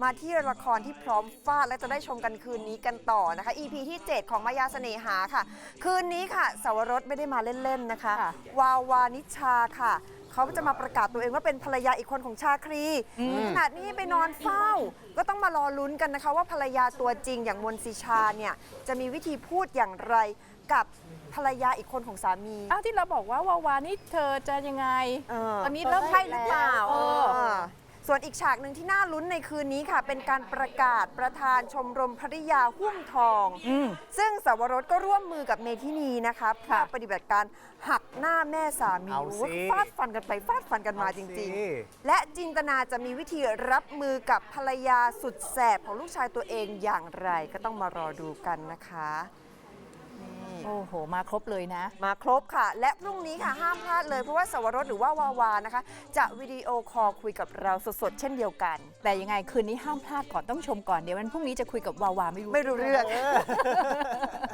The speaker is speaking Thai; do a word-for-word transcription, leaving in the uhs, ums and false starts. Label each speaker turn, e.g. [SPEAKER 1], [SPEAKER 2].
[SPEAKER 1] มาที่ละครที่พร้อมฟาดและจะได้ชมกันคืนนี้กันต่อนะคะ อี พี ที่ เจ็ด ของมายาเสน่หาค่ะ คืนนี้ค่ะสวรสไม่ได้มาเล่นๆนะคะวาวานิชาค่ะเขาจะมาประกาศตัวเองว่าเป็นภรรยาอีกคนของชาครีขนาดนี้ไปนอนเฝ้าก็ต้องมารอลุ้นกันนะคะว่าภรรยาตัวจริงอย่างมนศิชาเนี่ยจะมีวิธีพูดอย่างไรกับภรรยาอีกคนของสามี
[SPEAKER 2] อ้าวที่เราบอกว่าวาวานี่เธอจะยังไง
[SPEAKER 1] เออ
[SPEAKER 2] ตอนนี้เริ่ม
[SPEAKER 1] ใช่หรือเปล่า
[SPEAKER 2] เออ
[SPEAKER 1] เออส่วนอีกฉากหนึ่งที่น่าลุ้นในคืนนี้ค่ะ เป็นการประกาศประธานชมรมภริยาหุ้มทอง ซึ่งสวรสก็ร่วมมือกับเมทินีนะคะเพื่อปฏิบัติการหักหน้าแม่สามี
[SPEAKER 3] เอาสิ
[SPEAKER 1] ฟาดฟันกันไปฟาดฟันกันมาจริง
[SPEAKER 3] เอาสิ
[SPEAKER 1] ๆ และจินตนาจะมีวิธีรับมือกับภรรยาสุดแสบของลูกชายตัวเองอย่างไรก็ต้องมารอดูกันนะคะนี่
[SPEAKER 2] โอ้โห มาครบเลยนะ
[SPEAKER 1] มาครบค่ะ และพรุ่งนี้ค่ะห้ามพลาดเลยเพราะว่าสวรสหรือว่าวาวานะคะ จะวิดีโอคอลคุยกับเราสดๆ เช่นเดียวกัน
[SPEAKER 2] แต่ยังไงคืนนี้ห้ามพลาดก่อนต้องชมก่อนเดี๋ยววันพรุ่งนี้จะคุยกับวาวาไม่รู้
[SPEAKER 1] ไม่รู้เรื่อง